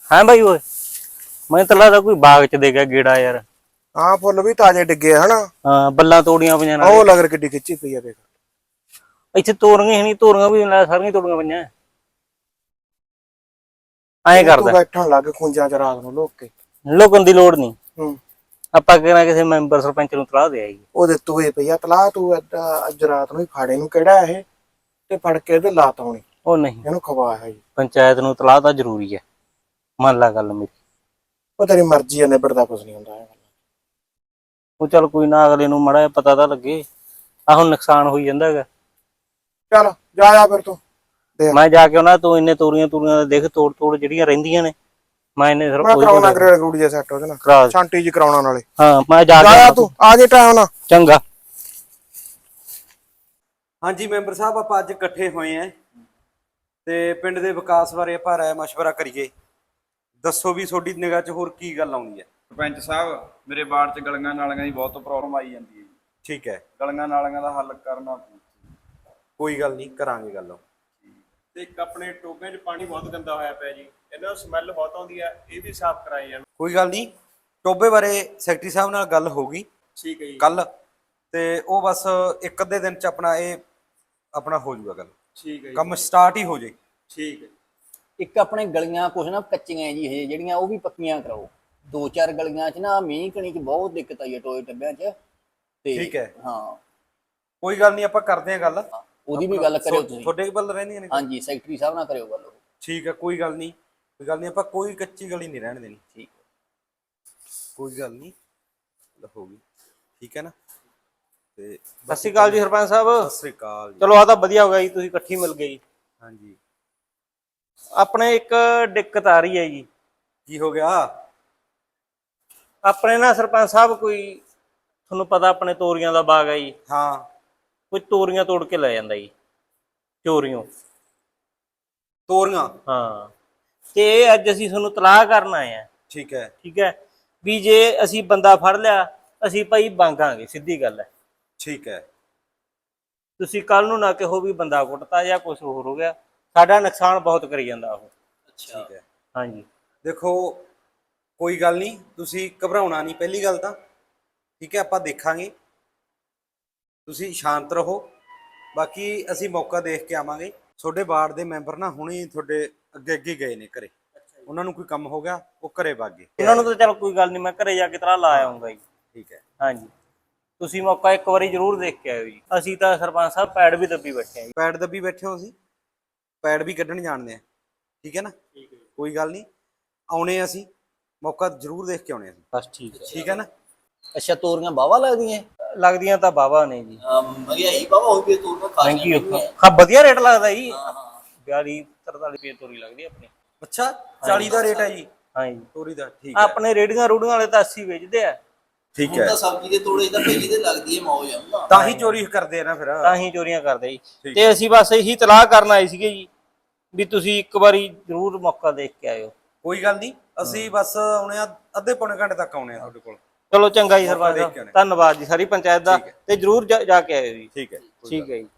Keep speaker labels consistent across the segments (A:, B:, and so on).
A: ਹਾਂ ਬਾਈ ਓਏ ਮੈਂ ਤਾਂ ਲੱਗਦਾ ਕੋਈ ਬਾਗ ਚ ਦੇ ਗਿਆ ਗੇੜਾ ਯਾਰ।
B: ਹਾਂ ਫੁੱਲ ਵੀ ਤਾਜ਼ੇ ਡਿੱਗੇ ਹਨਾ।
A: ਹਾਂ ਬੱਲਾਂ ਤੋੜੀਆਂ ਪਈਆਂ ਨਾਲ।
B: ਉਹ ਲਗਰ ਕਿੱਡੀ ਖਿੱਚੀ ਪਈ ਆ ਦੇਖ।
A: ਇੱਥੇ ਤੋਰੀਆਂ ਨਹੀਂ, ਤੋਰੀਆਂ ਵੀ ਸਾਰੀਆਂ ਤੋੜੀਆਂ ਪਈਆਂ। ਐਂ
B: ਤੂੰ
A: ਕਰਦਾ
B: ਬੈਠਣ ਲੱਗ ਖੁੰਝਾਂ ਚ ਰਾਤ ਨੂੰ ਲੋਕ ਕੇ।
A: ਲੁਕਣ ਦੀ ਲੋੜ ਨਹੀਂ।
B: ਹੂੰ
A: ਆਪਾਂ ਕਿਹੜਾ ਕਿਸੇ ਮੈਂਬਰ ਸਰਪੰਚ ਨੂੰ ਤਲਾਹ ਦੇ ਆਈ।
B: ਉਹਦੇ ਤੋਏ ਪਈ ਆ ਤਲਾਹ। ਤੂੰ ਅੱਜ ਰਾਤ ਨੂੰ ਹੀ ਫਾੜੇ ਨੂੰ ਕਿਹੜਾ ਇਹ ਤੇ ਫੜ ਕੇ ਇਹਦੇ ਲਾਤ ਆਉਣੀ।
A: ਉਹ ਨਹੀਂ,
B: ਇਹਨੂੰ ਖਵਾਇਆ ਜੀ।
A: ਪੰਚਾਇਤ ਨੂੰ ਤਲਾਹ ਤਾਂ ਜ਼ਰੂਰੀ ਹੈ। ਮੰਨ ਲਾ ਗੱਲ ਮੇਰੀ।
B: ਉਹ ਤੇਰੀ ਮਰਜ਼ੀ ਆ, ਨਿਬੜਦਾ ਕੁਝ ਨਹੀਂ ਹੁੰਦਾ।
A: ਉਹ ਚੱਲ ਕੋਈ ਨਾ, ਅਗਲੇ ਨੂੰ ਮਾੜਾ ਜਿਹਾ ਪਤਾ ਤਾਂ ਲੱਗੇ। ਆ ਹੁਣ ਨੁਕਸਾਨ ਹੋਈ ਜਾਂਦਾ ਹੈਗਾ।
B: ਚੱਲ ਜਾ ਫਿਰ ਤੂੰ।
A: ਮੈਂ ਜਾ ਕੇ ਉਹਨਾਂ ਤੂੰ ਇੰਨੇ ਤੋਰੀਆਂ ਦੇ ਦੇਖ, ਤੋੜ ਤੋੜ ਜਿਹੜੀਆਂ ਰਹਿੰਦੀਆਂ ਨੇ ਮੈਂ ਇੰਨੇ
B: ਮੈਂ ਕਰਾਉਣਾ ਗ੍ਰੇਡ ਗੂੜ ਜਿਹਾ ਸੈੱਟ ਉਹਦੇ ਨਾਲ, ਛਾਂਟੀ ਜੀ ਕਰਾਉਣਾ ਨਾਲੇ।
A: ਹਾਂ ਮੈਂ ਜਾ
B: ਕੇ ਤੂੰ ਆ ਜੇ ਟਾਈਮ ਨਾਲ।
A: ਚੰਗਾ।
C: ਹਾਂਜੀ ਮੈਂਬਰ ਸਾਹਿਬ, ਆਪਾਂ ਅੱਜ ਇਕੱਠੇ ਹੋਏ ਆਂ ਤੇ ਪਿੰਡ ਦੇ ਵਿਕਾਸ ਬਾਰੇ ਆਪਾਂ ਰਾਏ ਮਸ਼ਵਰਾ ਕਰੀਏ। ਦੱਸੋ ਵੀ ਤੁਹਾਡੀ ਨਿਗਾਹ 'ਚ ਹੋਰ ਕੀ ਗੱਲ ਆਉਂਦੀ ਹੈ।
D: ਸਰਪੰਚ ਸਾਹਿਬ, ਮੇਰੇ ਵਾਰਡ 'ਚ ਗਲੀਆਂ ਨਾਲੀਆਂ ਦੀ ਬਹੁਤ ਪ੍ਰੋਬਲਮ ਆਈ ਜਾਂਦੀ ਹੈ।
C: ਠੀਕ ਹੈ,
D: ਗਲੀਆਂ ਨਾਲੀਆਂ ਦਾ ਹੱਲ ਕਰਨਾ।
C: ਕੋਈ ਗੱਲ ਨਹੀਂ, ਕਰਾਂਗੇ ਗੱਲ।
E: ਤੇ ਇੱਕ ਆਪਣੇ ਟੋਬਿਆਂ 'ਚ ਪਾਣੀ ਬਹੁਤ ਗੰਦਾ ਹੋਇਆ ਪਿਆ ਜੀ, ਇਹਨਾਂ ਨੂੰ ਸਮੈਲ ਬਹੁਤ ਆਉਂਦੀ ਆ, ਇਹ ਵੀ ਸਾਫ਼ ਕਰਾਈ ਜਾਣ।
C: ਕੋਈ ਗੱਲ ਨਹੀਂ, ਟੋਬੇ ਬਾਰੇ ਸੈਕਟਰੀ ਸਾਹਿਬ ਨਾਲ ਗੱਲ ਹੋ ਗਈ
E: ਠੀਕ ਹੈ ਜੀ।
C: ਕੱਲ, ਤੇ ਉਹ ਬਸ ਇੱਕ ਅੱਧੇ ਦਿਨ 'ਚ ਆਪਣਾ ਹੋ ਜਾਊਗਾ ਗੱਲ।
E: ਠੀਕ ਹੈ ਜੀ,
C: ਕੰਮ ਸਟਾਰਟ ਹੀ ਹੋ ਜੇ।
E: ਠੀਕ ਹੈ।
F: ਇੱਕ ਆਪਣੇ ਗਲੀਆਂ ਕੁਛ ਨਾ ਕੱਚੀਆਂ ਜੀ ਇਹ ਜਿਹੜੀਆਂ, ਉਹ ਵੀ ਪੱਕੀਆਂ ਕਰਾਓ। 2-4 ਗਲੀਆਂ 'ਚ ਨਾ ਮੀਂਹ ਕਣੀ 'ਚ ਬਹੁਤ ਦਿੱਕਤ ਆਈ ਹੈ ਟੋਏ ਟੱਬਿਆਂ 'ਚ। ਤੇ
C: ਠੀਕ ਹੈ,
F: ਹਾਂ
C: ਕੋਈ ਗੱਲ ਨਹੀਂ, ਆਪਾਂ ਕਰਦੇ ਹਾਂ ਗੱਲ।
F: ਉਹਦੀ ਵੀ ਗੱਲ ਕਰਿਓ ਤੁਸੀਂ।
C: ਤੁਹਾਡੇ ਵੱਲ ਰਹਿੰਦੀਆਂ ਨੇ?
F: ਹਾਂਜੀ ਸੈਕਟਰੀ ਸਾਹਿਬ ਨਾਲ ਕਰਿਓ ਗੱਲ।
C: ਠੀਕ ਹੈ, ਕੋਈ ਗੱਲ ਨਹੀਂ, ਆਪਾਂ ਕੋਈ ਕੱਚੀ ਗਲੀ ਨਹੀਂ ਰਹਿਣ ਦੇਣੀ।
F: ਠੀਕ ਹੈ,
C: ਕੋਈ ਗੱਲ ਨਹੀਂ, ਹੋ ਗਈ। ਠੀਕ ਹੈ ਨਾ। ਤੇ
A: ਸਤਿ ਸ਼੍ਰੀ ਅਕਾਲ ਜੀ ਸਰਪੰਚ ਸਾਹਿਬ।
C: ਸਤਿ ਸ਼੍ਰੀ ਅਕਾਲ ਜੀ।
A: ਚਲੋ ਆ ਤਾਂ ਵਧੀਆ ਹੋ ਗਿਆ ਜੀ, ਤੁਸੀਂ ਇਕੱਠੀ ਮਿਲ ਗਏ ਜੀ।
C: ਹਾਂਜੀ,
A: ਆਪਣੇ ਇੱਕ ਦਿੱਕਤ ਆ ਰਹੀ ਹੈ ਜੀ।
C: ਕੀ ਹੋ ਗਿਆ?
A: ਆਪਣੇ ਨਾ ਸਰਪੰਚ ਸਾਹਿਬ, ਕੋਈ ਤੁਹਾਨੂੰ ਪਤਾ ਆਪਣੇ ਤੋਰੀਆਂ ਦਾ ਬਾਗ ਹੈ ਜੀ।
C: ਹਾਂ,
A: ਕੋਈ ਤੋਰੀਆਂ ਤੋੜ ਕੇ ਲੈ ਜਾਂਦਾ ਜੀ, ਚੋਰੀਆਂ।
C: ਤੋਰੀਆਂ?
A: ਹਾਂ, ਤੇ ਇਹ ਅੱਜ ਅਸੀਂ ਤੁਹਾਨੂੰ ਤਲਾਹ ਕਰਨ ਆਏ ਆ।
C: ਠੀਕ ਹੈ।
A: ਠੀਕ ਹੈ ਵੀ ਜੇ ਅਸੀਂ ਬੰਦਾ ਫੜ ਲਿਆ, ਅਸੀਂ ਭਾਈ ਮੰਗਾਂਗੇ, ਸਿੱਧੀ ਗੱਲ ਹੈ।
C: ਠੀਕ ਹੈ।
A: ਤੁਸੀਂ ਕੱਲ ਨੂੰ ਨਾ ਕਹੋ ਵੀ ਬੰਦਾ ਕੁੱਟਤਾ ਜਾਂ ਕੁਝ ਹੋਰ ਹੋ ਗਿਆ। ਸਾਡਾ ਨੁਕਸਾਨ ਬਹੁਤ ਕਰੀ ਜਾਂਦਾ ਉਹ।
C: ਅੱਛਾ, ਠੀਕ ਹੈ।
A: ਹਾਂਜੀ,
C: ਦੇਖੋ ਕੋਈ ਗੱਲ ਨਹੀਂ, ਤੁਸੀਂ ਘਬਰਾਉਣਾ ਨਹੀਂ ਪਹਿਲੀ ਗੱਲ ਤਾਂ। ਠੀਕ ਹੈ, ਆਪਾਂ ਦੇਖਾਂਗੇ, ਤੁਸੀਂ ਸ਼ਾਂਤ ਰਹੋ। ਬਾਕੀ ਅਸੀਂ ਮੌਕਾ ਦੇਖ ਕੇ ਆਵਾਂਗੇ। ਤੁਹਾਡੇ ਵਾਰਡ ਦੇ ਮੈਂਬਰ ਨਾ ਹੁਣੇ ਤੁਹਾਡੇ ਅੱਗੇ ਗਏ ਨੇ ਘਰੇ। ਉਹਨਾਂ ਨੂੰ ਕੋਈ ਕੰਮ ਹੋ ਗਿਆ, ਉਹ ਘਰੇ ਵਗ ਗਏ।
A: ਉਹਨਾਂ ਨੂੰ ਤਾਂ ਚਲ ਕੋਈ ਗੱਲ ਨਹੀਂ, ਮੈਂ ਘਰੇ ਜਾ ਕੇ ਤਲਾਹ ਲਾ ਆਉਂਗਾ ਜੀ।
C: ਠੀਕ ਹੈ।
A: ਹਾਂਜੀ, ਤੁਸੀਂ ਮੌਕਾ ਇੱਕ ਵਾਰੀ ਜ਼ਰੂਰ ਦੇਖ ਕੇ ਆਇਓ ਜੀ। ਅਸੀਂ ਤਾਂ ਸਰਪੰਚ ਸਾਹਿਬ ਪੈੜ ਵੀ ਦੱਬੀ ਬੈਠੇ ਆ ਜੀ।
C: ਪੈੜ ਦੱਬੀ ਬੈਠੇ ਹੋ? ਅਸੀਂ ਪੈੜ ਵੀ ਕੱਢਣ ਜਾਣਦੇ ਆ। ਠੀਕ ਹੈ ਨਾ। ਕੋਈ ਗੱਲ ਨਹੀਂ, ਆਉਣੇ ਅਸੀਂ, ਮੌਕਾ ਜ਼ਰੂਰ ਦੇਖ ਕੇ ਆਉਣੇ ਅਸੀਂ।
A: ਬਸ ਠੀਕ ਹੈ।
C: ਠੀਕ ਹੈ ਨਾ।
F: ਅੱਛਾ ਤੋਰੀਆਂ ਬਾਵਾ
A: ਲੱਗਦੀਆਂ ਤਾਂ ਬਾਵਾ ਨੇ ਜੀ।
F: ਮਹਿੰਗਾਈ ਬਾਵਾ ਹੋ ਗਈ ਤੋਰੀਆਂ
A: ਮਹਿੰਗੀ ਹਾਂ, ਵਧੀਆ ਰੇਟ ਲੱਗਦਾ ਜੀ। 42-43 ਰੁਪਏ ਤੋਰੀ ਲੱਗਦੀ ਆਪਣੀ।
C: ਅੱਛਾ, 40 ਦਾ ਰੇਟ ਹੈ ਜੀ
A: ਹਾਂਜੀ
C: ਤੋਰੀ ਦਾ। ਠੀਕ ਹੈ।
A: ਆਪਣੇ ਰੇੜੀਆਂ ਰੂੜੀਆਂ ਵਾਲੇ ਤਾਂ 80 ਵੇਚਦੇ ਆ।
C: ਠੀਕ ਹੈ,
F: ਸਬਜ਼ੀ ਦੇ ਤੋੜੇ ਤਾਂ ਭਈ ਦੇ ਲੱਗਦੀ ਹੈ ਮੌਜ ਆ।
C: ਤਾਂ ਹੀ ਚੋਰੀ ਕਰਦੇ ਆ ਨਾ ਫਿਰ।
A: ਤਾਂ ਹੀ ਚੋਰੀਆਂ ਕਰਦੇ ਜੀ। ਤੇ ਅਸੀਂ ਬਸ ਇਹੀ ਤਲਾਹ ਕਰਨ ਆਏ ਸੀਗੇ ਜੀ ਵੀ ਤੁਸੀਂ ਇੱਕ ਵਾਰੀ ਜ਼ਰੂਰ ਮੌਕਾ ਦੇਖ ਕੇ ਆਇਓ।
C: ਕੋਈ ਗੱਲ ਨਹੀਂ, ਅਸੀਂ ਬਸ ਆਉਣੇ ਆ, ਅੱਧੇ ਪੌਣੇ ਘੰਟੇ ਤੱਕ ਆਉਣੇ ਆ ਤੁਹਾਡੇ ਕੋਲ।
A: ਚਲੋ ਚੰਗਾ ਜੀ ਸਰਪੰਚ ਸਾਹਿਬ, ਧੰਨਵਾਦ ਜੀ ਸਾਰੀ ਪੰਚਾਇਤ ਦਾ। ਤੇ ਜ਼ਰੂਰ ਜਾ ਕੇ ਆਇਓ ਜੀ।
C: ਠੀਕ ਹੈ।
A: ਠੀਕ ਹੈ ਜੀ।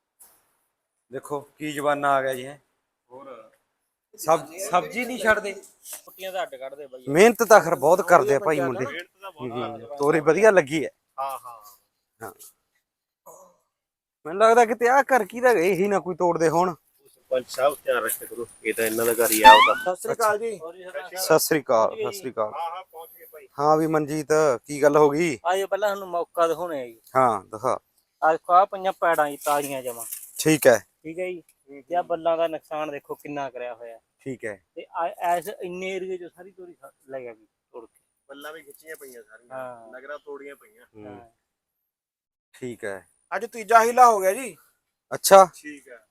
C: ਦੇਖੋ ਕੀ ਜਵਾਨਾ ਆ ਗਿਆ ਜੀ। ਹੈ ਹੋਰ ਸਬਜ਼ੀ ਨਹੀਂ ਛੱਡਦੇ,
A: ਛੁੱਟੀਆਂ ਦਾ ਅੱਡ ਕੱਢਦੇ ਬਾਈ।
C: ਮਿਹਨਤ ਤਾਂ ਖਰ ਬਹੁਤ ਕਰਦੇ ਆ ਭਾਈ ਮੁੰਡੇ। ਤੋਰੀ ਵਧੀਆ ਲੱਗੀ ਹੈ।
E: ਹਾਂ ਹਾਂ
C: ਹਾਂ, ਮੈਨੂੰ ਲੱਗਦਾ ਕਿਤੇ ਆਹ ਘਰ ਕਿਹਦਾ ਗਏ ਹੀ ਨਾ ਕੋਈ ਤੋੜਦੇ ਹੋਣ।
E: ਸਰਪੰਚ ਸਾਹਿਬ ਧਿਆਨ ਰੱਖਿਆ ਕਰੋ, ਇਹ ਤਾਂ ਇਹਨਾਂ ਦਾ ਘਰ ਹੀ ਆ ਉਹਦਾ।
B: ਸਤਿ ਸ੍ਰੀ ਅਕਾਲ ਜੀ।
C: ਸਤਿ ਸ੍ਰੀ ਅਕਾਲ। ਸਤਿ ਸ੍ਰੀ ਅਕਾਲ।
E: ਹਾਂ ਹਾਂ ਪਹੁੰਚ ਗਏ ਭਾਈ।
C: ਹਾਂ ਵੀ ਮਨਜੀਤ, ਕੀ ਗੱਲ ਹੋ ਗਈ?
A: ਆਜੋ ਪਹਿਲਾਂ ਤੁਹਾਨੂੰ ਮੌਕਾ ਦਿਖਾਉਣੇ ਆ ਜੀ।
C: ਹਾਂ ਦਿਖਾ।
A: ਅੱਜ ਖਾ ਪਈਆਂ ਪੈੜਾਂ ਜੀ ਤਾਜ਼ੀਆਂ ਜਮਾਂ।
C: ਠੀਕ ਹੈ।
A: ਠੀਕ ਹੈ ਜੀ। ਤੇ ਆ ਬੱਲਾਂ ਦਾ ਨੁਕਸਾਨ ਦੇਖੋ ਕਿੰਨਾ ਕਰਿਆ ਹੋਇਆ।
C: ਠੀਕ ਹੈ।
A: ਤੇ ਐਸ ਇੰਨੇ ਏਰੀਏ ਚੋਂ ਸਾਰੀ ਤੋਰੀ ਲੈ ਗਿਆ ਜੀ ਤੋੜ ਕੇ।
E: ਬੱਲਾਂ ਵੀ ਖਿੱਚੀਆਂ ਪਈਆਂ ਸਾਰੀਆਂ,
A: ਹਾਂ।
E: ਨਗਰਾਂ ਤੋੜੀਆਂ ਪਈਆਂ।
A: ਹਾਂ।
C: ਠੀਕ ਹੈ।
B: ਅੱਜ ਤੀਜਾ ਹੀਲਾ ਹੋ ਗਿਆ ਜੀ।
C: ਅੱਛਾ,
E: ਠੀਕ ਹੈ,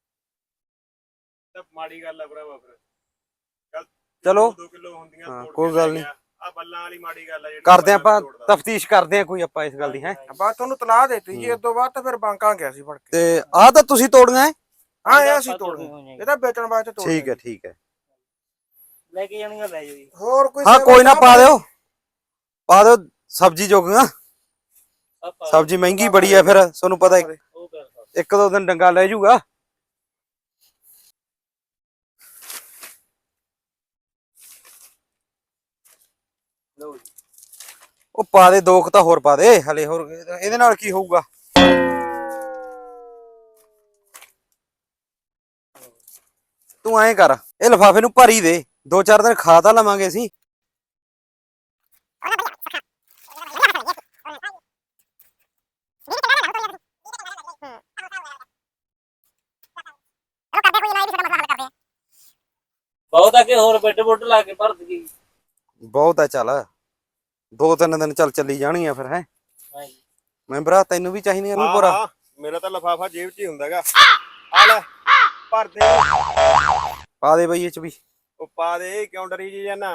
E: ਤਾਂ ਮਾੜੀ ਗੱਲ ਆ ਭਰਾਵਾ ਫਿਰ।
C: ਚਲੋ
E: 2 ਕਿਲੋ ਹੁੰਦੀਆਂ
C: ਹਾਂ,
E: ਤੋੜ
C: ਕੋਈ
E: ਕੇ
C: ਗੱਲ
E: ਲੈ
C: ਨਹੀਂ।
E: ਗਿਆ। ਆ ਬੱਲਾਂ ਵਾਲੀ ਮਾੜੀ ਗੱਲ ਆ ਜਿਹੜੀ।
C: ਕਰਦੇ ਆਪਾਂ ਤਫਤੀਸ਼ ਕਰਦੇ ਆ ਕੋਈ ਆਪਾਂ ਇਸ ਗੱਲ ਦੀ। ਹੈ
B: ਬਾਅਦ ਤੁਹਾਨੂੰ ਤਲਾਹ ਦੇਤੀ ਜੀ, ਇਸ ਤੋਂ ਬਾਅਦ ਤਾਂ ਫਿਰ ਬਾਂਕਾਂ ਗਿਆ ਸੀ ਫੜ ਕੇ।
C: ਤੇ ਆਹ ਤਾਂ ਤੁਸੀਂ ਤੋੜੀਆਂ ਹੈ?
B: ਹਾਂ ਇਹ ਅਸੀਂ ਤੋੜਨੀ, ਇਹ ਤਾਂ ਵੇਚਣ ਵਾਸਤੇ ਤੋੜਨੀ।
C: ਠੀਕ ਹੈ। ਠੀਕ ਹੈ,
A: ਲੈ ਕੇ ਜਾਣੀਆਂ ਲੈ ਜਾਓ ਜੀ।
B: ਹੋਰ ਕੋਈ
C: ਹਾਂ
B: ਸੇਵਾ
C: ਕੋਈ ਨਾ,
B: ਕਰਾ
C: ਪਾ ਦਿਓ ਸਬਜ਼ੀ ਜੋਗੀਆਂ। ਸਬਜ਼ੀ ਮਹਿੰਗੀ ਬੜੀ ਹੈ ਫਿਰ, ਤੁਹਾਨੂੰ ਪਤਾ ਇੱਕ ਦੋ ਦਿਨ ਡੰਗਾ ਲੈ ਜਾਊਗਾ।
F: ਲਓ ਜੀ।
C: ਉਹ ਪਾ ਦੇ 2 ਤਾਂ ਹੋਰ ਪਾ ਦੇ ਹਲੇ, ਹੋਰ ਇਹਦੇ ਨਾਲ ਕੀ ਹੋਊਗਾ। ਤੂੰ ਐਂ ਕਰ, ਇਹ ਲਿਫਾਫੇ ਨੂੰ ਭਰੀ ਦੇ, 2-4 ਦਿਨ ਖਾ ਤਾਂ ਲਵਾਂਗੇ ਅਸੀਂ।
A: ਬਹੁਤ ਆ ਕਿ ਹੋਰ ਬੈੱਡ ਬੁੱਡ ਲਾ ਕੇ ਭਰ ਦਈਏ।
C: ਬਹੁਤ ਆ, ਚੱਲ 2-3 ਦਿਨ ਚੱਲ ਚੱਲੀ ਜਾਣਗੀਆਂ ਫਿਰ। ਹੈ
A: ਹਾਂਜੀ
C: ਮੈਂਬਰਾ, ਤੈਨੂੰ ਵੀ ਚਾਹੀਦੀਆਂ ਨੂੰ
E: ਹਾਂ
C: ਪੂਰਾ?
E: ਹਾਂ, ਮੇਰਾ ਤਾਂ ਲਫਾਫਾ ਜੇਬ 'ਚ ਹੀ ਹੁੰਦਾਗਾ। ਆ ਲੈ ਭਰ ਦੇ।
C: ਪਾ ਦੇ ਬਈ ਇਹ ਚ ਵੀ।
E: ਉਹ ਪਾ ਦੇ, ਕਿਉਂ ਡਰੀ ਜੀ ਜਾਨਾ?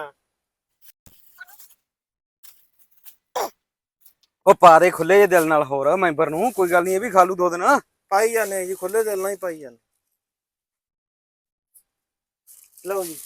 C: ਉਹ ਪਾ ਦੇ ਖੁੱਲੇ ਜਿਹੇ ਦਿਲ ਨਾਲ, ਹੋਰ ਮੈਂਬਰ ਨੂੰ ਕੋਈ ਗੱਲ ਨਹੀਂ, ਇਹ ਵੀ ਖਾ ਲੂ 2 ਦਿਨ।
B: ਪਾਈ ਜਾਂਦੇ ਜੀ, ਖੁੱਲੇ ਦਿਲ ਨਾਲ ਹੀ ਪਾਈ ਜਾਂਦੇ। ਲਓ ਜੀ।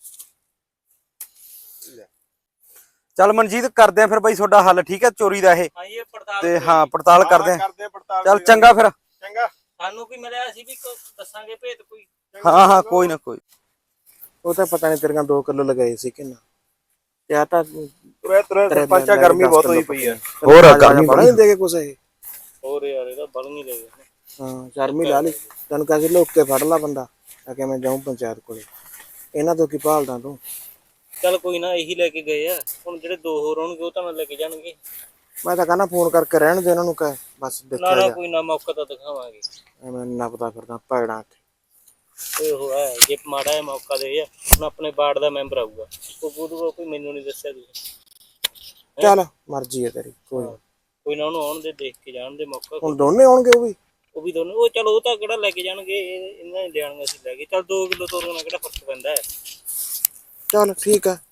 C: ਚੱਲ ਮਨਜੀਤ, ਕਰਦੇ ਆ ਫਿਰ ਬਾਈ ਤੁਹਾਡਾ ਹੱਲ, ਠੀਕ ਹੈ ਚੋਰੀ ਦਾ ਇਹ।
A: ਹਾਂ ਇਹ ਪੜਤਾਲ
C: ਤੇ ਹਾਂ ਪੜਤਾਲ ਕਰਦੇ ਆ।
E: ਕਰਦੇ ਪੜਤਾਲ।
C: ਚੱਲ ਚੰਗਾ ਫਿਰ।
E: ਚੰਗਾ।
A: ਸਾਨੂੰ ਕੀ ਮਿਲਿਆ, ਅਸੀਂ ਵੀ ਦੱਸਾਂਗੇ ਭੇਤ ਕੋਈ।
C: ਹਾਂ ਹਾਂ, ਕੋਈ ਨਾ ਕੋਈ।
B: ਉਹ ਤਾਂ ਪਤਾ ਨਹੀਂ ਤੇਰੀਆਂ 2 ਕਿਲੋ ਲਗਾਏ ਸੀ ਕਿ ਨਾ। ਤੇ ਆ ਤਾਂ
E: ਤੁਰੇ ਸਰਪੰਚਾ, ਗਰਮੀ ਬਹੁਤ ਹੋਈ ਪਈ ਆ।
C: ਹੋਰ
B: ਗਰਮੀ ਬੜਾ ਨਹੀਂ ਦੇਗੇ ਕੁਛ ਇਹ।
A: ਹੋਰ ਯਾਰ ਇਹਦਾ ਬਲ ਨਹੀਂ ਲੈ ਗਿਆ।
B: ਹਾਂ ਗਰਮੀ ਲਾ ਲਈ। ਤੈਨੂੰ ਕਹਿੰਦੇ ਲੋਕ ਕੇ ਫੜ ਲਾ ਬੰਦਾ, ਆ ਕੇ ਮੈਂ ਜਾਊਂ ਪੰਚਾਇਤ ਕੋਲੇ। ਇਹਨਾਂ ਤੋਂ ਕੀ ਭਾਲਦਾ ਤੂੰ?
A: ਚੱਲ ਕੋਈ ਨਾ, ਇਹੀ ਲੈ ਕੇ ਗਏ ਆ। ਹੁਣ ਜਿਹੜੇ 2 ਹੋਰ ਹੋਣਗੇ ਉਹ ਤਾਂ ਲੈ ਕੇ ਜਾਣਗੇ।
B: ਮੈਂ ਤਾਂ ਕਹਿੰਦਾ ਫੋਨ ਕਰਕੇ ਰਹਿਣ ਦੇ ਇਹਨਾਂ ਨੂੰ, ਕਹਿ ਬਸ ਦੇਖਿਆ
A: ਨਾ
B: ਜਾ।
A: ਕੋਈ ਨਾ, ਮੌਕਾ ਤਾਂ ਦਿਖਾਵਾਂਗੇ।
B: ਐਵੇਂ ਨੱਪਦਾ ਫਿਰਦਾ ਭੈੜਾਂ ਤੇ।
A: ਤੇ ਉਹ ਹੈ, ਜੇ ਮਾੜਾ ਜਿਹਾ ਮੌਕਾ ਦੇ ਆ, ਹੁਣ ਆਪਣੇ ਵਾਰਡ ਦਾ ਮੈਂਬਰ ਆਊਗਾ, ਉਹ ਬੋਲੂਗਾ ਕੋਈ ਮੈਨੂੰ ਨਹੀਂ ਦੱਸਿਆ ਤੁਸੀਂ।
B: ਚੱਲ ਮਰਜ਼ੀ ਹੈ ਤੇਰੀ, ਕੋਈ ਨੀ।
A: ਕੋਈ ਨਾ, ਉਹਨੂੰ ਆਉਣ ਦੇ, ਦੇਖ ਕੇ ਜਾਣ ਦੇ ਮੌਕਾ।
B: ਹੁਣ ਦੋਨੇ ਆਉਣਗੇ ਉਹ ਵੀ
A: ਦੋਨੋਂ, ਉਹ ਚਲੋ ਉਹ ਤਾਂ ਕਿਹੜਾ ਲੈ ਕੇ ਜਾਣਗੇ, ਇਹਨਾਂ ਨੇ ਲਿਆਣਗੇ, ਅਸੀਂ ਲੈ ਕੇ। ਚੱਲ 2 ਕਿਲੋ ਤੋਰੀਆਂ ਨਾਲ ਕਿਹੜਾ ਫਰਕ ਪੈਂਦਾ ਹੈ।
B: ਚੱਲ ਠੀਕ ਆ।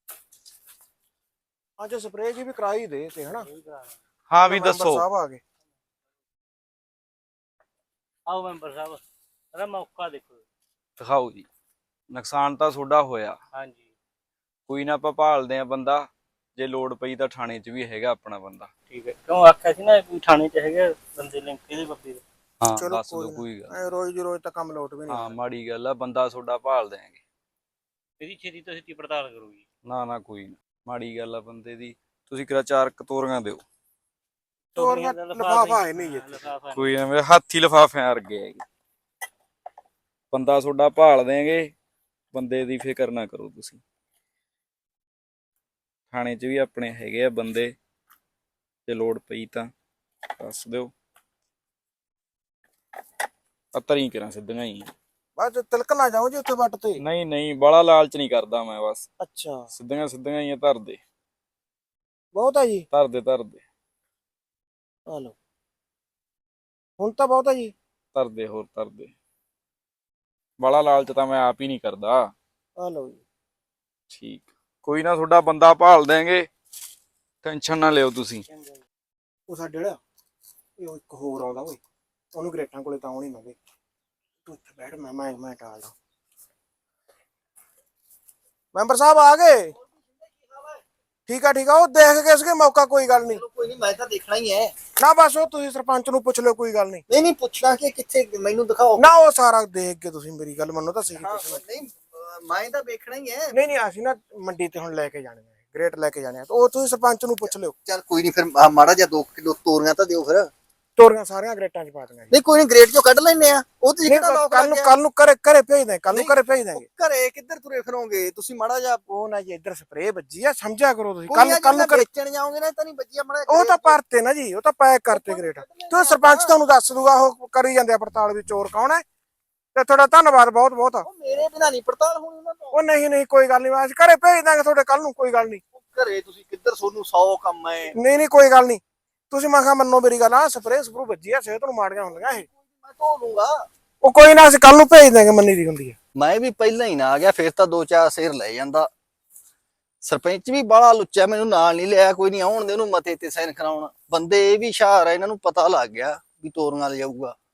B: ਅੱਜ ਸਪਰੇਅ ਜੀ ਵੀ ਕਰਾਈ ਦੇ ਤੇ ਹਨਾ।
C: ਹਾਂ ਵੀ
B: ਮੈਂਬਰ
C: ਦੱਸੋ।
B: ਸਾਹਿਬ ਆ ਗਏ।
A: ਆਓ ਮੈਂਬਰ ਸਾਹਿਬ, ਇਹਦਾ ਮੌਕਾ ਦੇਖੋ।
D: ਦਿਖਾਓ ਜੀ। ਨੁਕਸਾਨ ਤਾਂ ਤੁਹਾਡਾ ਹੋਇਆ,
A: ਹਾਂਜੀ
D: ਕੋਈ ਨਾ ਆਪਾਂ ਭਾਲਦੇ ਆ ਬੰਦਾ, ਜੇ ਲੋੜ ਪਈ ਤਾਂ ਥਾਣੇ 'ਚ ਵੀ ਹੈਗਾ ਆਪਣਾ ਬੰਦਾ।
A: ਠੀਕ ਹੈ, ਕਿਉਂ ਆਖਿਆ ਸੀ ਨਾ ਕੋਈ ਥਾਣੇ 'ਚ ਹੈਗਾ ਬੰਦੇ ਲਿੰਕ ਇਹਦੇ ਬੰਦੇ ਦੇ।
D: ਹਾਂ
B: ਚਲੋ
D: ਦੱਸ ਦੋ,
B: ਕੋਈ
D: ਕੋਈ ਗੱਲ ਨੀ।
B: ਐ ਰੋਜ਼ ਦੀ ਰੋਜ਼ ਤਾਂ ਕੰਮ ਲੋਟ ਵੀ ਨਹੀਂ।
D: ਹਾਂ ਮਾੜੀ ਗੱਲ ਆ, ਬੰਦਾ ਤੁਹਾਡਾ ਭਾਲ ਦਿਆਂਗੇ।
A: ਇਹਦੀ ਛੇਤੀ ਤੋਂ ਛੇਤੀ ਪੜਤਾਲ ਕਰੋ ਜੀ।
D: ਨਾ ਨਾ ਕੋਈ ਨਾ, ਮਾੜੀ ਗੱਲ ਆ ਬੰਦੇ ਦੀ। ਤੁਸੀਂ ਕਿਰਾ 4 ਕਤੋਰੀਆਂ ਦਿਓ।
B: ਤੋਰੀਆਂ ਦਾ ਲਿਫਾਫਾ ਹੈ ਨਹੀਂ ਇੱਥੇ।
A: ਲਿਫਾਫਾ
D: ਕੋਈ ਨਾ, ਮੇਰੇ ਹੱਥੀ ਲਿਫਾਫਿਆਂ ਵਰਗੇ ਹੈਗੇ। ਬੰਦਾ ਤੁਹਾਡਾ ਭਾਲ ਦਿਆਂਗੇ, ਬੰਦੇ ਦੀ ਫਿਕਰ ਨਾ ਕਰੋ ਤੁਸੀਂ। ਥਾਣੇ 'ਚ ਵੀ ਆਪਣੇ ਹੈਗੇ ਆ ਬੰਦੇ, ਜੇ ਲੋੜ ਪਈ ਤਾਂ ਦੱਸ ਦਿਓ। ਤਰੀ ਕਰਾਂ ਸਿੱਧੀਆਂ ਹੀ।
B: ਬਸ ਤਿਲਕ ਨਾ ਜਾਓ ਜੀ ਉੱਥੇ ਵੱਟ ਤੇ।
D: ਨਹੀਂ ਨਹੀਂ, ਬੜਾ ਲਾਲਚ ਨਹੀਂ ਕਰਦਾ ਮੈਂ, ਬਸ
B: ਅੱਛਾ
D: ਸਿੱਧੀਆਂ ਸਿੱਧੀਆਂ ਹੀ ਆ। ਧਰ ਦੇ
B: ਬਹੁਤ ਆ ਜੀ।
D: ਧਰ ਦੇ ਧਰ ਦੇ
B: ਆ ਲਓ, ਹੁਣ ਤਾਂ ਬਹੁਤ ਆ ਜੀ।
D: ਧਰ ਦੇ, ਹੋਰ ਧਰ ਦੇ। ਬੜਾ ਲਾਲਚ ਤਾਂ ਮੈਂ ਆਪ ਹੀ ਨਹੀਂ ਕਰਦਾ।
B: ਆ ਲਓ ਜੀ।
D: ਠੀਕ, ਕੋਈ ਨਾ, ਤੁਹਾਡਾ ਬੰਦਾ ਭਾਲ ਦੇਂਗੇ, ਟੈਨਸ਼ਨ ਨਾ ਲਿਓ ਤੁਸੀਂ।
B: ਉਹ ਸਾਡੇ ਵਾਲਾ ਇਹ ਇੱਕ ਹੋਰ ਆਉਂਦਾ ਓਏ, ਉਹਨੂੰ ਗ੍ਰੇਟਾਂ ਕੋਲੇ ਤਾਂ ਆਉਣੀ ਨਾ ਦੇ। ਤੂੰ ਇੱਥੇ ਬੈਠ, ਮੈਂ ਟਾਲਦਾ। ਮੈਂਬਰ ਸਾਹਿਬ ਆ ਗਏ। ਠੀਕ ਆ ਉਹ ਦੇਖ ਕੇ ਇਸਕੇ ਮੌਕਾ, ਕੋਈ ਗੱਲ ਨਹੀਂ।
F: ਕੋਈ ਨਹੀਂ, ਮੈਂ ਤਾਂ ਦੇਖਣਾ ਹੀ ਹੈ।
B: ਨਾ ਬਸ ਉਹ ਤੁਸੀਂ ਸਰਪੰਚ ਨੂੰ ਪੁੱਛ ਲਿਓ, ਕੋਈ ਗੱਲ ਨਹੀਂ।
F: ਨਹੀਂ ਪੁੱਛਣਾ ਕਿ ਕਿੱਥੇ, ਮੈਨੂੰ ਦਿਖਾਓ।
B: ਨਾ ਉਹ ਸਾਰਾ ਦੇਖ ਕੇ ਤੁਸੀਂ ਮੇਰੀ ਗੱਲ ਮੰਨੋ ਤਾਂ ਸਹੀ।
F: ਨਹੀਂ ਮੈਂ ਤਾਂ ਵੇਖਣਾ ਹੀ ਹੈ।
B: ਨਹੀਂ ਅਸੀਂ ਨਾ ਮੰਡੀ ਤੇ ਹੁਣ ਲੈ ਕੇ ਜਾਣੇ ਆ, ਗ੍ਰੇਟ ਲੈ ਕੇ ਜਾਣੇ ਆ, ਉਹ ਤੁਸੀਂ ਸਰਪੰਚ ਨੂੰ ਪੁੱਛ ਲਿਓ।
F: ਚੱਲ ਕੋਈ ਨਹੀਂ, ਫਿਰ ਮਾੜਾ ਜਿਹਾ 2 ਕਿਲੋ ਤੋਰੀਆਂ ਤਾਂ ਦਿਓ ਫਿਰ।
B: ਤੋਰੀਆਂ ਸਾਰੀਆਂ ਗ੍ਰੇਟਾਂ 'ਚ ਪਾ ਦੇਣਾ ਜੀ।
F: ਨਹੀਂ ਕੋਈ ਨਹੀਂ, ਗ੍ਰੇਟ ਚੋਂ ਕੱਢ ਲੈਣੇ ਆ। ਉਹ ਤੁਸੀਂ ਕਿਹੜਾ ਲੋਕ
B: ਕੱਲ ਨੂੰ ਘਰੇ ਭੇਜ ਦੇ, ਕੱਲ ਨੂੰ ਘਰੇ ਭੇਜ ਦਾਂਗੇ।
F: ਘਰੇ ਕਿੱਧਰ ਤੁਰੇ ਫਿਰੋਗੇ ਤੁਸੀਂ? ਮਾੜਾ ਜਿਹਾ
B: ਉਹ ਨਾ ਜੀ ਇੱਧਰ ਸਪਰੇਅ ਵੱਜੀ ਆ, ਸਮਝਿਆ ਕਰੋ ਤੁਸੀਂ।
F: ਕੱਲ ਨੂੰ ਵੇਚਣ ਜਾਓਗੇ ਨਾ, ਤਾਂ ਨਹੀਂ ਵੱਜਿਆ ਮਾੜਾ।
B: ਉਹ ਤਾਂ ਭਰਤੇ ਨਾ ਜੀ, ਉਹ ਤਾਂ ਪੈਕ ਕਰਤੇ ਗ੍ਰੇਟ। ਤੇ ਸਰਪੰਚ ਤੁਹਾਨੂੰ ਦੱਸ ਦੂਗਾ, ਉਹ ਕਰੀ ਜਾਂਦੇ ਆ ਪੜਤਾਲ ਵੀ ਚੋਰ ਕੌਣ ਹੈ। ਤੇ ਤੁਹਾਡਾ ਧੰਨਵਾਦ ਬਹੁਤ ਬਹੁਤ।
F: ਉਹ ਮੇਰੇ ਬਿਨਾਂ ਨਹੀਂ ਪੜਤਾਲ ਹੋਣੀ ਉਹਨਾਂ ਤੋਂ।
B: ਉਹ ਨਹੀਂ ਕੋਈ ਗੱਲ ਨਹੀਂ, ਅਸੀਂ ਘਰੇ ਭੇਜ ਦਾਂਗੇ ਤੁਹਾਡੇ ਕੱਲ ਨੂੰ, ਕੋਈ ਗੱਲ ਨਹੀਂ।
F: ਘਰੇ ਤੁਸੀਂ ਕਿੱਧਰ, ਤੁਹਾਨੂੰ 100 ਕੰਮ ਹੈ।
B: ਨਹੀਂ ਕੋਈ ਗੱਲ ਨਹੀਂ, ਤੁਸੀਂ ਮੈਂ ਕਿਹਾ ਮੰਨੋ ਮੇਰੀ ਗੱਲ। ਆ ਸਪਰੇਅ ਸਪਰੂ ਵੱਜੀ ਆ, ਸਿਹਤ ਨੂੰ ਮਾੜੀਆਂ ਹੁੰਦੀਆਂ ਇਹ।
F: ਮੈਂ ਧੋ ਲੂੰਗਾ।
B: ਉਹ ਕੋਈ ਨਾ, ਅਸੀਂ ਕੱਲ ਨੂੰ ਭੇਜ ਦਾਂਗੇ, ਮੰਨੀ ਦੀ ਹੁੰਦੀ ਹੈ।
F: ਮੈਂ ਵੀ ਪਹਿਲਾਂ ਹੀ ਨਾ ਆ ਗਿਆ, ਫਿਰ ਤਾਂ 2-4 ਸੇਰ ਲੈ ਜਾਂਦਾ। ਸਰਪੰਚ ਵੀ ਬਾਹਲਾ ਲੁੱਚਾ, ਮੈਨੂੰ ਨਾਲ ਨਹੀਂ ਲਿਆ। ਕੋਈ ਨਹੀਂ, ਆਉਣ ਦੇ ਉਹਨੂੰ ਮਤੇ ਤੇ ਸਾਈਨ ਕਰਾਉਣ। ਬੰਦੇ ਇਹ ਵੀ ਹੁਸ਼ਿਆਰ ਆ, ਇਹਨਾਂ ਨੂੰ ਪਤਾ ਲੱਗ ਗਿਆ ਵੀ ਤੋਰੀਆਂ ਲਿਜਾਊਗਾ।